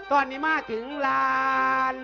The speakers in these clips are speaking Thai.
ตอนนี้มาถึงลาน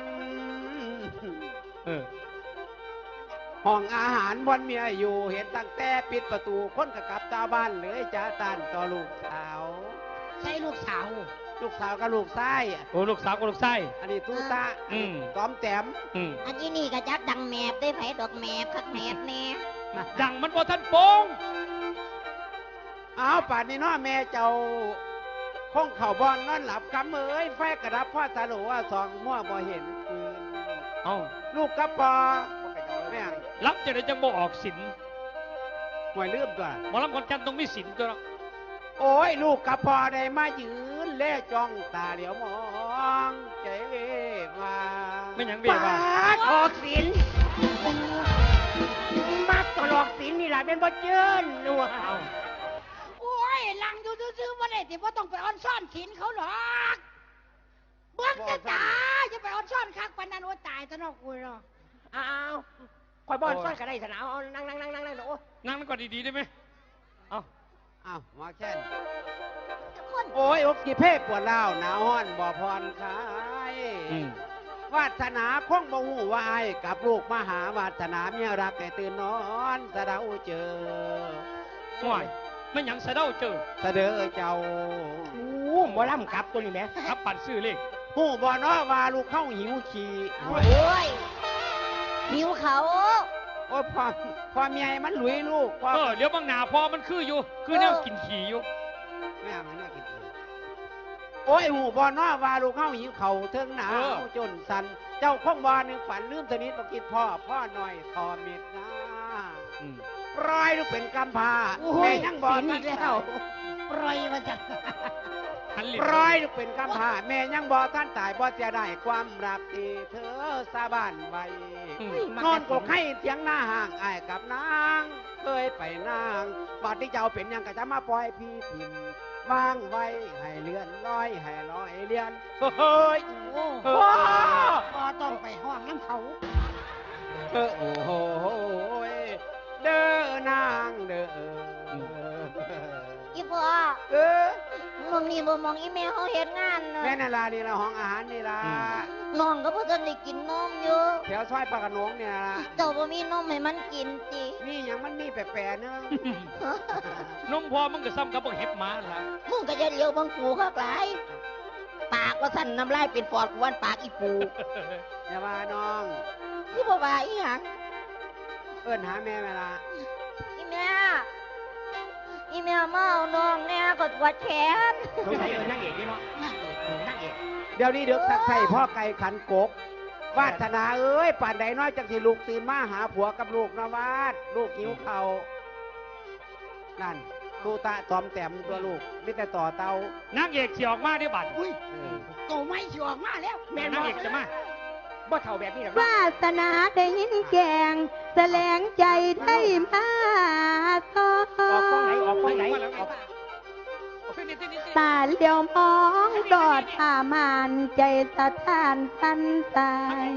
ห้องอาหารบนเมียอยู่เห็นตั้งแต่ปิดประตูคนกะกลับตาบ้านเลยจ้าตันต่อลูกสาวใช่ลูกสาวกับลูกชายโอ้ลูกสาวกับลูกชายอันนี้ตู้ตาต้อมแต้มอันนี้นี่ก็จักดังแมบได้ไผดอกแมบคักแมบแน่ดังมันบ่ทันโปงเอาป่านนี้น้อแม่เจ้าคงเข่าบอลนอนหลับกำเอ้ยไฟกระดับพ่อตาหลูว่าสองมั่วบ่เห็นเอาลูกกระปอแม่รับจะได้จังบ่ออกสินห่วยลืมตัวหมอลำคนจันต้องมีสินตัวโอ้ยลูกกระปอได้มายืนเล่จ้องตาเหลียวมองใจมาไม่ยังเบี้ยว่าออกสินมาตลอกสินนี่แหละเป็นบ่เจิ้นลูกโอ้ยลังอยู่ซื่อๆบ่ได้สิบ่ต้องไปอ้อนซ่อนสินเขาหรอกเบิ่งจะตายจะไปอ้อนซ่อนคักปานนั้นโอ้ตายซะเนาะกูเนาะอ้าวข่อยบ่อนซ่อนก็ได้ซะนะเอานั่งโอ้นั่งก่อนดีๆได้ไหมเอามาแค่นโอ้ยอกกี่เพ่ปวดเล่าหนาวห้อนบ่พรคลายวาสนาคงบ่หูวายกับลูกมหาวาสนาเมียรักให้ตื่นนอนสะเดาเจอห่วยไม่ยังสะเดาเจอสะเดอเจ้าบ่ล่ำกับตัวนี้แม่ครับปั่นซื้อเลขหูบ่เนาะว่าลูกเข้าหิวขี่โอ้ยหิวเขาโอ้ยพอเมียมันหลุยลูกเดี๋ยวบางหนาพอมันคืออยู่คือเนี่ยกินขี่อยู่ไม่เอาไม่กินโอ้ยหูบ่เนาะว่าลูกเข้าหิวเข่าเทิงหนาวจนสันเจ้าคงบ่นึงฝันลืมสนิทบ่คิดพ่อหน่อยทอเม็ดนะปล่อยลูกเป็นกำพร้าแม่ยังบ่นี่แล้วปล่อยมาจากปล่อยลูกเป็นกำพร้าแม่ยังบ่ท่านตายบ่จะได้ความรักที่เธอสาบานไว้นอนกกให้เสียงหน้าห่างอ้ายกับนางเคยไปนางบาดที่เจ้าเป็นยังก็จะมาปล่อยพี่พิมวางไว้ให้เลื่อนลอยให้ลอยเลื่อนเฮ้ยพอต้องไปห้องน้ำเขาโอ้โหเด้อนางเด้ออีพ่อมองนี่บ่มองอีแม่เขาเฮ็ดงานแม่นาลานี่ละห้องอาหารนี่ละน้องก็เพิ่งได้กินนมอยู่แถวซอยปากกระนงเนี่ยละเจ้าบ่มีนมให้มันกินจินี่ยังมันมีแปลกๆเนอะนมพอมันก็ซ้ำกับพวกเห็บหมาละมึงก็จะเลี้ยวบังปูเข้าหลายปากว่าสั่นน้ำลายเป็นฟอดกวนปากอีปูอย่าว่าน้องที่บ่ว่าอีหยังเอิ้นหาแม่ละอีแม่มาเอาน้องแน่กดวัดแขนสงสัยนั่งเอกนี่เนาะนั่งเอกเดี๋ยวนี้เด็กสักใส่พ่อไก่ขันกกวาสนาเอ้ยป่านใดน้อยจังสิลูกตื่นมาหาผัวกับลูกนะวาดลูกหิวเข่านั่นตูตาตอมแต้มตัวลูกมิแต่ต่อเตานั่งเอกเฉียออกมาได้บัดอุ้ยโตไม่เฉียออกมาแล้วแม่นั่งเอกจะมาบ่เท่าแบบนี้หรอกวาสนาได้ยินแกงแสลงใจได้มาออกกล้องไหนตาเลี้ยวมองดอดผามานใจสะท้านทันตาย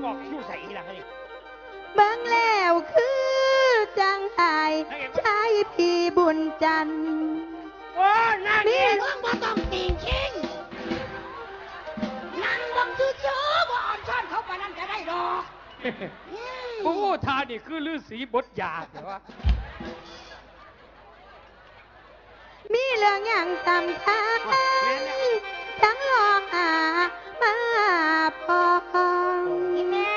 เบิ่งแล้วคือจังไห้ชายพี่บุญจันทร์นี่เบิ่งบ่ต้องติงชิงนั่งบังซื่อๆบ่อ่อนช้อนเขาปานนั้นก็ได้ดอกโอ้ทานี่คือฤาษีบทยาเหรอวะมีเรื่องอย่างจำคัญทั้งลองมาพองแม่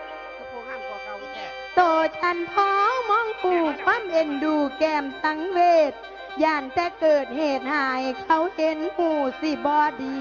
โตฉันพ้องมองผูกความเอ็นดูแก้มสังเวชย่านแต่เกิดเหตุหายเขาเห็นหูสิบอดี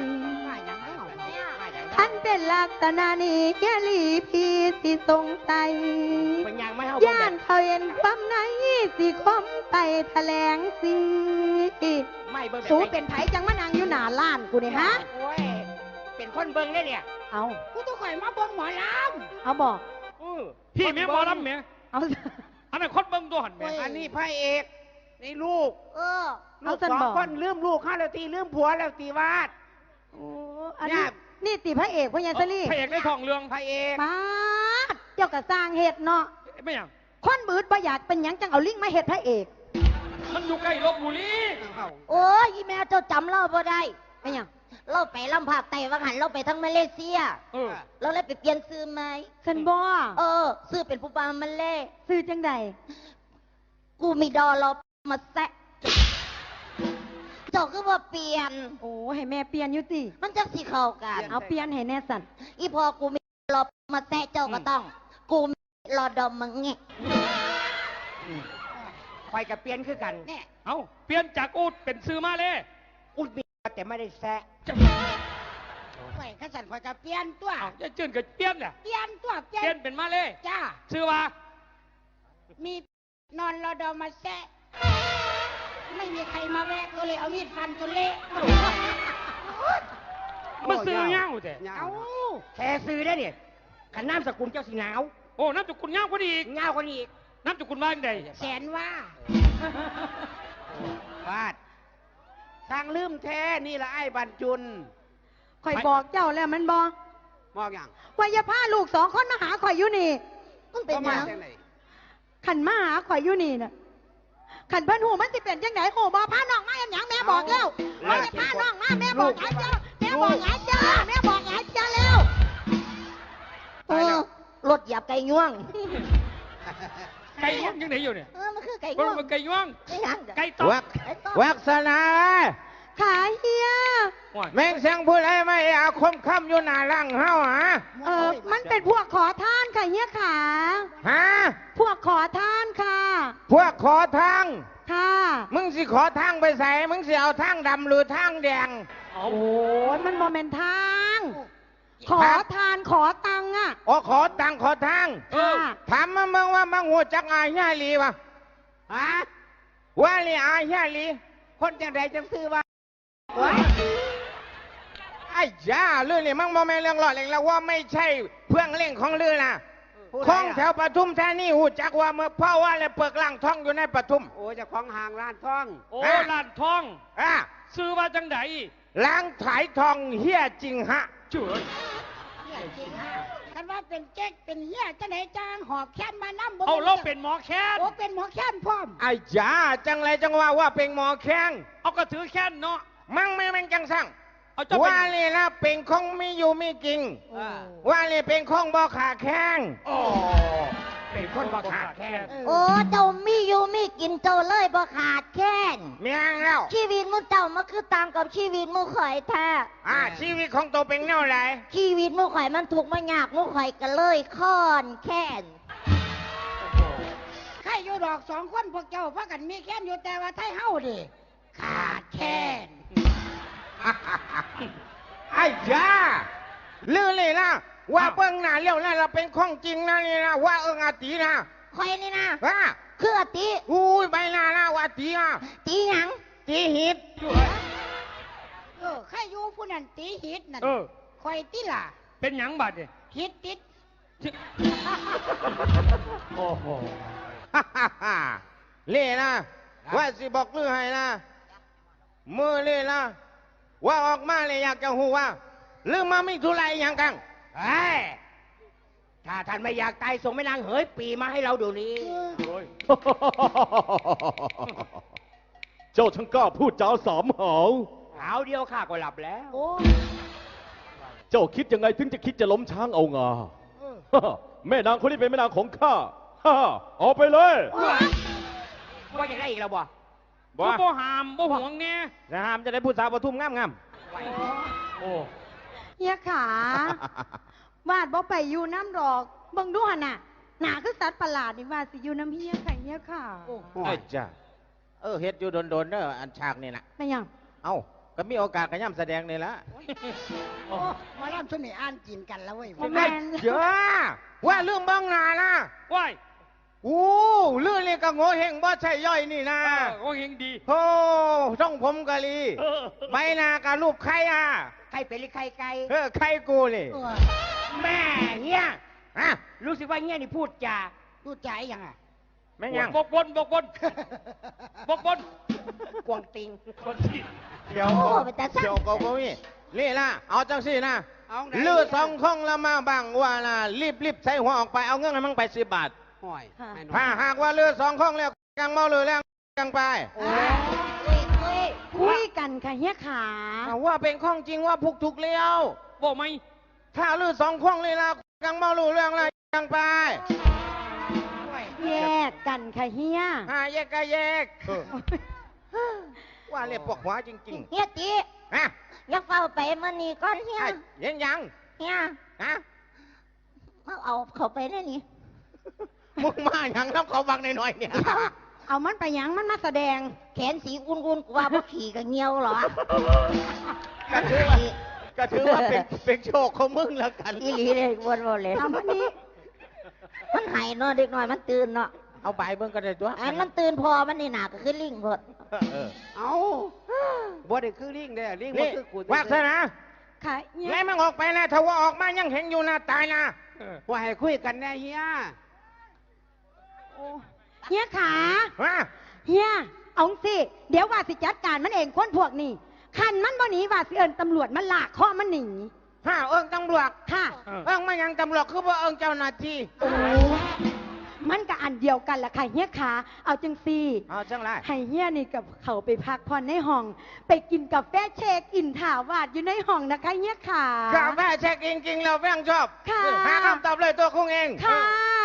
ท่านเป็นลักษณะนี้แกลีพีสิสงสัยย่านเขาเห็นความไหนสิคมไปแถลงสิสูเป็นไผจังมานางอยู่หน้าล้านกูเนี่ยฮะเป็นคนเบิ้งได้เนี่ยเอากูต้องคอยมาเบิ้งหมอลำเอาบอกพี่แม่หมอลำแม่เอาอันนั้นคนเบิ้งตัวหันแม่อันนี้พระเอกนี่ลูกลูกสองคนลืมลูกข้าแล้วตีลืมผัวแล้วตีวาดอันนี้นี่ตีพระเอกพญาสลีพระเอกในทองเรืองพระเอกมาเจ้ากระสร้างเหตุเนาะไม่ยังคนบืดประหยัดเป็นยังจังเอาลิงมาเหตุพระเอกมันอยู่ใกล้ลบบุรีโอ้ยแม่เจ้าจำเล่าบ่ได้ไม่ยังเราไปลำภาคใต้ว่าหันเราไปทั้งมาเลเซียเออเราเลยไปเปลี่ยนซื้อไหมฉันบ่ซื้อเป็นผู้บ่าวมาเลซื้อจังใดกูมีดอลบมาแซะเจ้าก็ว่าเปลี่ยนโอ้ให้แม่เปลี่ยนอยู่ติมันจะสิเข้ากันเอาเปลี่ยนให้แน่สันอีพอกูมีรอมาแซะเจ้าก็ต้อง กูมีรอดอมมังเงะคอยกับเปลี่ยนคือกันเนี่ยเอาเปลี่ยนจากอูดเป็นซื้อมาเลยอุดมีแต่ไม่ได้แซะข่อยข้าสันข่อยกับเปลี่ยนตัวเอาจะจื่นกับเปลี่ยนแหละเปลี่ยนตัวเปลี่ยเปลี่ยนนเป็นมาเลยจ้าซื้อว่ามีนอนรอดอมาแซะไม่มีใครมาแวะก็เลยเอามีดฟันจนเละมาซื้อเงาแต่เอาแค่ซื้อได้เนี่ยขันน้ำสกุลเจ้าสีหนาวโอ้น้ำจุกุลเงากว่านี้อีกเงาคนอีกน้ำจุกุลว่าจังไดแสนว่าวาดสร้างลืมแท้นี่ละไอ้บรรจุนข่อยบอกเจ้าแล้วมันบ่มองอย่างว่าอย่าพาลูกสองคนมาหาข่อยอยู่นี่มันเป็นก็หมายังจากไหนขันมาหาข่อยอยู่นี่น่ะขันเพิ่นหูมันสิเป็นจังไดโหบ่พาน้องมาอย่างหยังแม่บอกแล้วว่าอย่าพาน้องมาแม่บอกหลายเจ้าแม่บอกหลายเจ้าแม่บอกหลายเจ้าแล้วรถหยาบไก่ง่วงไก่ย่างยังไหนอยู่เนี่ยมันคือไก่มันง่วงเป็นไก่ย่างไม่ยังไก่ต๊อกวักษณาขาเฮียว้ายแม่งเสียงพูดอะไรไม่อาคมค่ำอยู่หน้าร่างเฮาฮะมันเป็นพวกขอทานค่ะเฮียขาฮะพวกขอทานค่ะพวกขอทางค่ะมึงสิขอทางไปใส่มึงสิเอาทางดำหรือทางแดงเอาโอ้ยมันบ่แม่นทาง ขอทานขอตังค์อ่ะอ๋อขอตังขอทางค่ะถามมึงว่ามึงหัวจักอาญาลีวะฮะว่าลีอาญาลีคนจังใดจังซื้อว่าไอ้ยาเรื่องนี้มึงบ่แม่นเรื่องหลอดเองแล้วว่าไม่ใช่เพื่องเล่งของลือนะของแถวปทุมธานีหูจักว่าเมื่อพ่อว่าเลยเปิกล่างท้องอยู่ในปทุมโอ้เจะของห่างร้านทองโอ้ลานทองอ่ะซื้อว่าจังไดล้างถ่ายทองเฮียจริงฮะเจ๋ยเนี่ยจริงฮะคันว่าเป็นเจ๊กเป็นเหี้ยจะไหนจางหอบแค้นมาน้ำบ่เอาเราเป็นหมอแค้นโอ้เป็นหมอแค้นพร้อมไอ้จ๋าจังไรจังว่าเป็นหมอแข้งเอาก็ถือแค้นเนาะมั่งไม่แม่งจังสั่งเอาเจ้าเป็นว่าเลยนะเป็นของมีอยู่มีจริง ว่าเลยเป็นของบ่ขาแข้งโอ้เป็นคนบ่ขาดแค้นโอ้เจ้ามีอยู่มีกินเจ้าเลยบ่ขาดแค้นเมียงแล้วชีวิตมูเจ้ามันคือต่างกับชีวิตมูข่อยแท้ชีวิตของตัวเป็นแนวไหนชีวิตมูข่อยมันถูกข์มายากมูข่อยก็เลยค้อนแค้นใครอยู่ดอกสองคนพวกเจ้าพากันมีแค้นอยู่แต่ว่าไทยเฮาดิขาดแค้นไอ้จ๋าลือเลยนะว่าเบิ้งหน้าเลี้ยวหน้าเราเป็นของจริงนะนี่นะว่าอาตีนะข่อยนี่นะว่าคืออติอุ้ยใบหน้านะว่าตีนะตีหยังตีหิดใครอยู่ผู้นั้นตีหิตนั่นเออคอยตีล่ะเป็นหยังบัดเนี่ยหิตติดโอ้โหเล่นะว่าสิบอกลือให้นะมือเล่นะว่าออกมาเลยอยากจะหูว่าลือมาไม่ทุไรอย่างกังเฮ้ยถ้าท่านไม่อยากตายส่งแม่นางเหยปีมาให้เราดูนี้โอ้ยเจ้าช่างกล้าพูดจาสามหาวหาวเดียวข้าก็หลับแล้วโอ้เจ้าคิดยังไงถึงจะคิดจะล้มช้างเอางา แม่นางคนนี้เป็นแม่นางของข้า เอาไปเลยว่าจะได้อีกแล้วบ่บ่บ่หามบ่หวงเนี่ยนะฮามจะได้พูดสาวปทุมงามโอ้เฮียขา วาดบ่ไปอยู่น้ำดอกเบิ่งดูหั่นน่ะหนาคือสัตว์ประหลาดนี่ว่าสิอยู่น้ำเฮียค่ะเฮียขาๆไอ้จ้าเฮ็ดอยู่โดนๆเด้ออันฉากนี่นะไม่ยังเอ้าก็มีโอกาสกระย่ำแสดงนี่ละโอ้มาล่ำชุดนี้อ่านกินกันแล้วเว้ยบ่แม่นเจ้าว่าเรื่องบ้องนานะว้ายอู้เรื่องนี่ก็โง่เฮงบ่ใช่ย่อยนี่นะโอ้เฮงดีโอ้ช่องผมกะลีเออใบหน้ากับรูปใครอ่ะใครเป็นหรือใครไกลใครกูนี่เออแม่เงี้ยฮะรู้สึกว่าเงี้ยนี่พูดจาดูใจยังอ่ะแม่งยังบกบนบกบนบกบนกวงติงคนที่เดี๋ยวก็เดี๋ยวก็บ่มีนี่นะเอาจังสินะเอาไหนเลือดสองคงละมาบังว่านะรีบใส่หัวออกไปเอาเงินให้มันไป10 บาทห่วยไม่น้อยถ้าหากว่าเลือดสองคงแล้วกังเมาเลยแล้วกังไปคุยคุยกันค่ะเฮียขาว่าเป็นข้องจริงว่าพุกถูกเลี้ยวบอกไหมถ้าลือสองข้องเลยละยังเมารู้เรื่องอะไรยังไปแยกกันค่ะเฮียแยกก็แยกว่าเรียกปวกหัวจริงเฮียตีๆฮะอย่าเฝ้าไปมันนี่ก่อนเฮียเห็นยังเฮียฮะเอาเขาไปได้นี่มึงมาอย่างน้ำเขาบังหน่อยๆเนี่ยเอามันไปหยังมันมาแสดงแขนสีอุ่นๆกว่าพวกขี่กับเงี้ยวเหรอก็ถือว่าเป็นโชคของมึงแล้วกันอีหลีเลยวนๆเลยเอามานี่มันหายเนาะเด็กหน่อยมันตื่นเนาะเอาใบเบิ่งก็ได้ตัวอันมันตื่นพอมันนี่หนาก็คือลิงหมดเอาบ่ได้คือลิงได้ลิงบ่นี่คือกูวาสนาค่ะเฮียไล่มันออกไปนะถ้าว่าออกมายังเห็นอยู่นะตายนะว่าให้คุยกันแน่เฮียเฮียขาฮะเฮียเอาสิเดี๋ยวว่าสิจัดการมันเองคนพวกนี้คันมันบ่หนีว่าสิเอิญตำรวจมาลากคอมันหนีเอิงตำรวจค่ะเอิงมายังตำรวจคือว่าเอิงเจ้าหน้าที่มันก็อันเดียวกันแหละค่ะเฮียขาเอาจังซี่เอาจังไรให้เฮียนี่กับเขาไปพักผ่อนในห้อง ไปกินกาแฟเช็คอินถาวาดอยู่ในห้องนะคะเฮียขากาแฟเช็คจริงๆเราแม่งชอบค่ะหาคำตอบเลยตัวคงเองค่ะ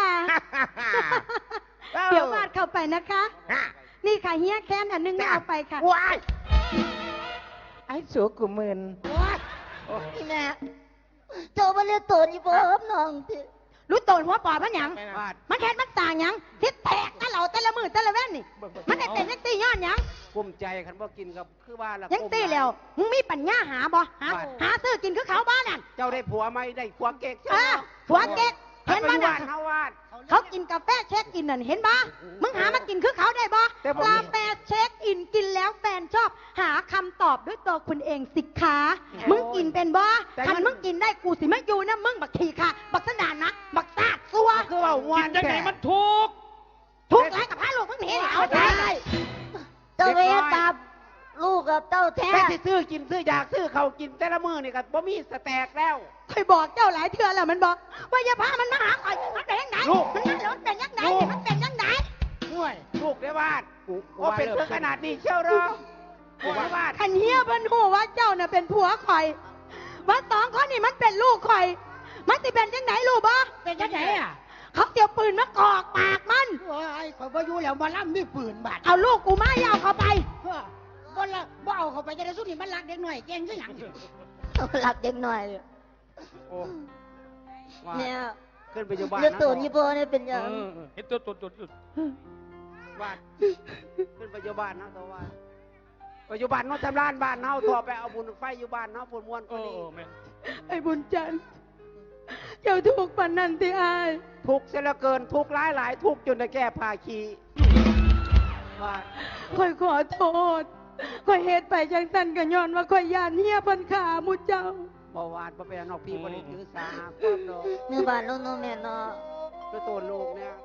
เออเดี๋ยววาดเข้าไปนะคะฮะนี่ค่ะเฮียแค้นอันนึงไม่เอาไปค่ะว้ายไอ้สัวกูมึนนี่แม่เจ้ามาเรียกตัวนี่บ่ครับน้องที่รู้โตนหัวปอดมันหยังวาดมันแค้นมันต่างหยังทิศแตกนั่นเราแต่ละมือแต่ละแว่นนี่ มันได้เป็นยังตีย้อนหยังกุ้มใจคันบ่กินกับคือว่าละยังตีแล้วมึงมีปัญญาหาบ่หาซื้อกินคือเขาบ้านนั่นเจ้าได้ผัวไหมได้ผัวเก๊กเออผัวเก๊กเห็นบ้าบ้าน นวาดเฮาวาดเขากินกาแฟเช็คอินนั่นเห็นบ่มึงหามากินคือเขาได้บ่แต่ผมกาแฟเช็คอินกินแล้วแฟนชอบ หาคำตอบด้วยตัวคุณเองสิคะมึงกินเป็นบ่คันมึงกินได้กูสิไม่อยู่นะมึงบักทีค่ะ บักสนานนะบักซาดซัวคือว่าวักินนยังไงมันถูกทุกข์ไรกับพระลูกมึงเห็นเอาใจเจ้าเวตาลูกกับเจ้าแท้แค่สิซื้อกินซื้ออยากซื้อเขากินแต่ละมื้อนี่ก็บ่มีสแต็กแล้วเคยบอกเจ้าหลายเทื่อแล้วมันบอกว่าอย่าพามันมาหาข่อยมันเป็นยังไงลูกมันนั่นแล้วมันเป็นยังไงลูกมันเป็นยังไงห่วยลูกได้วาดว่าเป็นเพื่อขนาดนี้เชี่ยวเหรอลูกได้วาดขันเฮียเพิ่นหูว่าเจ้าน่ะเป็นผัวข่อยว่าสองคนนี่มันเป็นลูกข่อย มันสิเป็นยังไงลูกบ่เป็นจังไดอ่ะเขาเตียวปืนมากอกปากมันโอ้ยข่อยบ่อยู่แล้วมาล่ำมีปืนบาดเอาลูกกูมาอย่าเอาเขาไปบ่ละบ่เอาเข้าไปจะได้สุดนี่มันรักเด็กหน่อยเก่งคือหยังหลับเด็กหน่อยโอ้วาดเนี่ยขึ้นไปอยู่บ้านเรียกนะตัวนี่บ่เนี่ยเป็นยังเห็นตัววาดขึ้นไปอยู่บ้านนะตัววาดไปอยู่บ้านเนาะทำร้านบ้านเนาะตัวไปเอาบุญไฟอยู่บ้านเนาะผลมวนเอก็อดีแม่ไอ้บุญจันทร์เจ้าทุกข์ปันนันที่อายทุกข์เสียเหลือเกินทุกข์หลายหลายทุกข์จนได้แก้ผ้าขี้วาดข่อยขอโทษข่อยเหตุไปจังสันกันย้อนว่าข่อยยานเฮียเพันขามุเจ้าบ่วาดบ่เป็นนอกพี่บ่ได้ถือสาความดอกเนื้อบ้านโน้นแม่เนาะก็ตัวลูกเนี่ย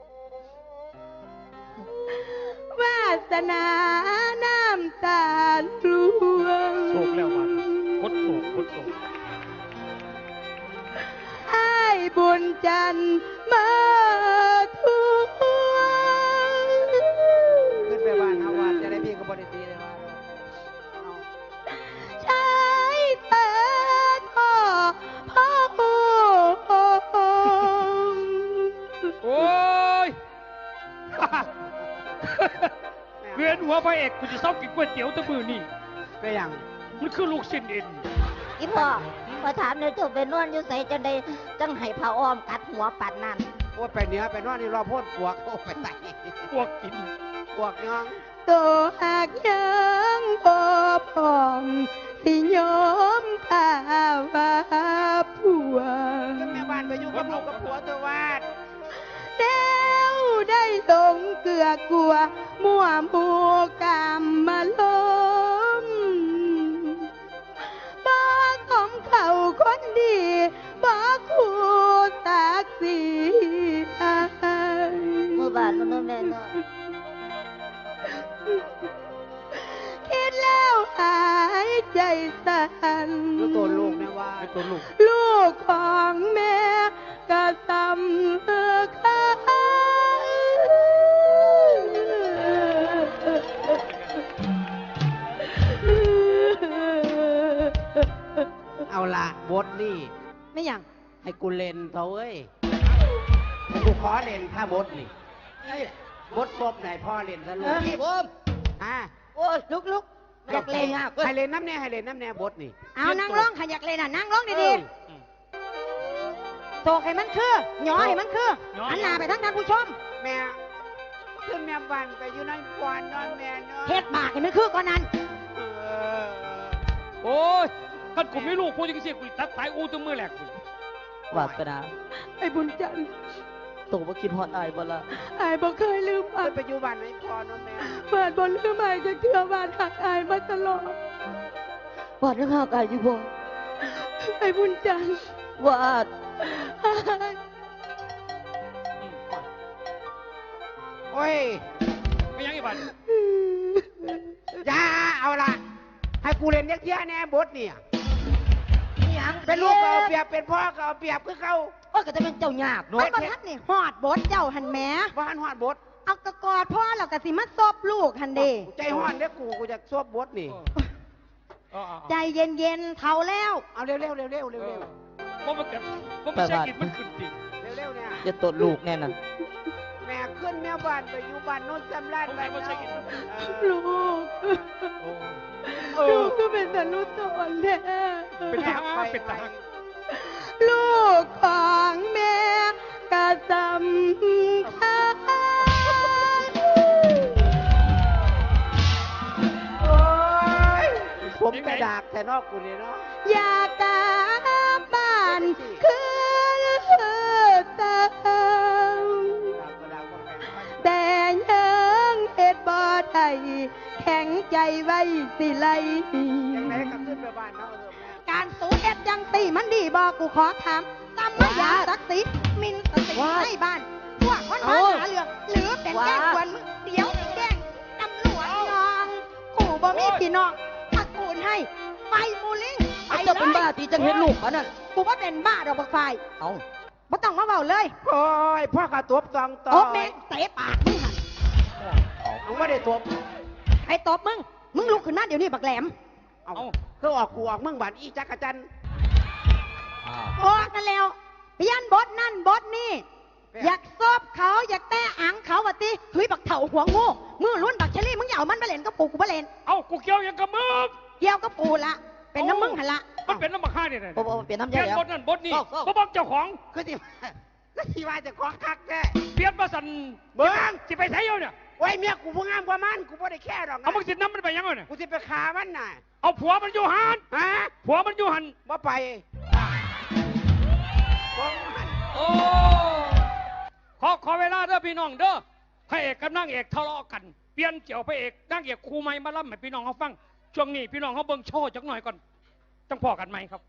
วาสนาน้ำตาลพลวงโศกแล้วมันคดโศกคดโศกไอ้บุญจันทร์มาทวงขึ้นไปบ้านเฮาวาดจะได้พี่ก็บ่ได้ตีเลยว่าเอาใช้แต่พ่อพ่อโโอ้ยเวียนหัวพระเอกกูจะเศร้ากินก๋วยเตี๋ยวแตะมือนี่ไปหยังมันคือลูกชิ้นเอ็นอีพ่อพอถามเนี่ยเจ้าไปนอนอยู่ใส่จังได้จังให้ผ้าอ้อมกัดหัวปัดนั่นโอ้ยไปเหนือไปนอนนี่รอพ่นปวกโอ้ไปใส่พวกกินปวกยองตัวหากยังบ่พร้อมสิยอมพาว่าผัวขึ้นแม่บ้านไปอยู่กับลูกกับผัวเธอวาดแล้วได้ลงเกลือกลัวมั่วหมูกามมาล้มบ่ของเขาคนดีบ่คู่สักสีอายเมื่อบ้านโน้นแม่เนาะคิดแล้วหายใจสั่นแล้วตัวลูกเนี่ยว่าไอ้ตัวลูกลูกของแม่ก็สำคัญเอาละบทนี่ไม่หยังให้กูเล่นเถอะเว้ยให้กูขอเล่นถ้าบทนี่บทซบไหนพ่อเล่นซะลูกพี่ผมอ่ะโอ้ยลุกอยากเล่นอ่ะให้เล่นน้ำแน่ให้เล่นน้ำแน่บทนี่เอานั่งร้องขยักเลยน่ะนั่งร้องดีๆโตกให้มันคือหยอให้มันคือหันหน้าไปทั้งท่านผู้ชมแม่ขึ้นแม่บ้านไปอยู่นั่นกวนนอนแม่นอนเฮ็ดบากให้มันคือก่อนนั้นโอ้ยกันกูไม่รู้กูจะเสียกูตัดสายอูตัวมือแหลกกูวาสนาไอ้บุญจันทร์โตว่าคิดฮอดอายบ่ละอายบ่เคยลืมอายไปอยู่บ้านไหนพ่อนอนแม่บาดบ่ลืมอายจะเชื่อบาดหักอายมาตลอดวาดยังหากอายอยู่บ่ไอ้บุญจันทร์วาดโอ้ยไม่ยังอีบันอย่าเอาละให้กูเล่นเยอะๆแน่บทเนี่ยนี่หยังเป็นลูกก็เอาเปรียบเป็นพ่อก็เอาเปรียบคือเขาโอ้ยก็จะเป็นเจ้ายากมัเนาะนบ่ทันนี่ฮอดบดเจ้าหันแหมบ้านหอดบทเอากระกอดพ่อแล้วก็สิมาซบลูกหันเด้ใจหอดเด้อกูจะซวบบทนี่ใจเย็นๆเท่าแล้วเอาเร็วๆเร็วๆเร็วๆเร็วเพราะมันเกิดเพราะมันใช่กินมันขึ้นจริงๆเร็วๆเนี่ยจะตดลูกแน่นั่นแม่ขึ้นแม่บ้านไปอยู่บ้านโน้นจำราดบ้านเราลูก ลูกก็เป็นแต่ลูกตอนแท้เป็นทหารเป็นทหารลูกของแม่กะสำคัญโอ้ยผมกระดากแต่นอกกูนี่เนาะอยากกลับบ้านคือเติมแต่ยังเฮ็ดบ่ได้แข็งใจไว้สิไลยังไงก็ขึ้นไปบ้านเนาะแม่การสูเอ็ดยังตีมันดีบอกกูขอถามตำมายาศักดิ์ศรีมินสติให้บ้านพวกคนมาหาเรื่องหรือเป็นแกล้งกวนมึงเดี๋ยวแกล้งตำรวจน้องกูบ่มีพี่น้องตระกูลให้ไปมูลิงไปเจ้าเลเป็นบ้าย ตีจังเห็นลูกปะนั่นกูว่าเป็นบ้าดอกบักไฟเอาบ่ต้องมาเบาเลยโอ้ยพ่อกระตบตองต่อโอ้แม่งเตะปากมึงหันมึงไม่ได้ตบใครตบมึงมึงลุกขึ้นมาเดี๋ยวนี้บักแหลมเอาคือออกกูออกมึงบ้านอีจักรจันทร์โอ้กันแล้วเปลี่ยนบทนั่นบทนี่อยากซบเขาอยากแต้อังเขาวะติถุยบักเถ่าหัวงูมือล้วนบักเชลี่มึงอย่าเอามันมาเล่นกับปูกูมาเล่นเอ้ากูเกี่ยวยังกับมึงเกี่ยวกับปูละเป็นน้ำมึงหันละมันเป็นน้ำมันฆ่าเนี่ยโอ้โหเปลี่ยนน้ำเปลี่ยายนแล้วบทนั่นบทนี้เศร้าเพราะบอกเจ้าของก็ที่ก็ที่ว่าจะของคักแท้เปลี่ยนมาสั่นเบิ้งจะไปใช้เอาเนี่ยโอ้ยเมียกูผู้งามกว่ามันกูไม่ได้แค่หรอกนะเอามึงสิน้ำมันไปยังไงเนี่ยกูจะไปฆ่ามันน่ะเอาผัวมันอยู่หันฮะผัวมันอยู่หันบ่ไปบ่มันโอ้ขอเวลาเด้อพี่น้องเด้อพระเอกกับนางเอกทะเลาะกันเปลี่ยนเกี่ยวพระเอกนางเอกครูใหม่มาล่ำให้พี่น้องเขาฟังช่วงนี้พี่น้องเขาเบิ่งโชว์จักหน่อยก่อนต้องพอกันไหมครับ